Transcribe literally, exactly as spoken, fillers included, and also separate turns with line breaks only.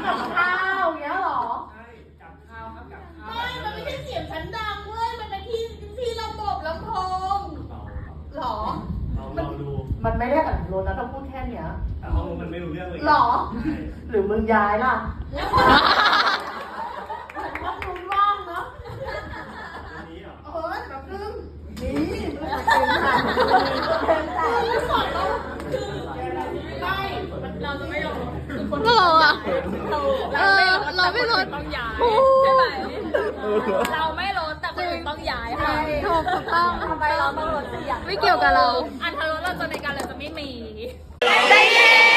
กับข้าวอย่างเงี้ยหรอ
ใช่กับข้าวครับกับข้าว
ไม่มันไม่ใช่เสียงชั้นดังเว้ยมันเป็นที่ที่ระบบลำโพงหรอ
เราเราดู
มันไม่ได้อัดรถนะถ้าพูดแค่เนี้ย
แต่ห้องมันไม่รู้เรื่องเลย
หรอหรือมึงย้ายล่ะแล้วเหมือนว่ามึงว่างเนาะ
นี้เหรอ
เออแบบนึงนี่เป็นผ่านเป็นแต่ไม่สอนเราคือไม่เราจะไม่ลง
ก็เราอะเออเราไม่ลด
ต้องย้ายใช่ไหมเราไม่ลดแต่คนอื่นต้องย้ายค่ะ
ถูกถูกต้อง
ทำไมเราต้องลดเสียง
ไม่เกี่ยวกับเรา
อันทรสเราจะในการเราจะไม่มี
ใจเย็น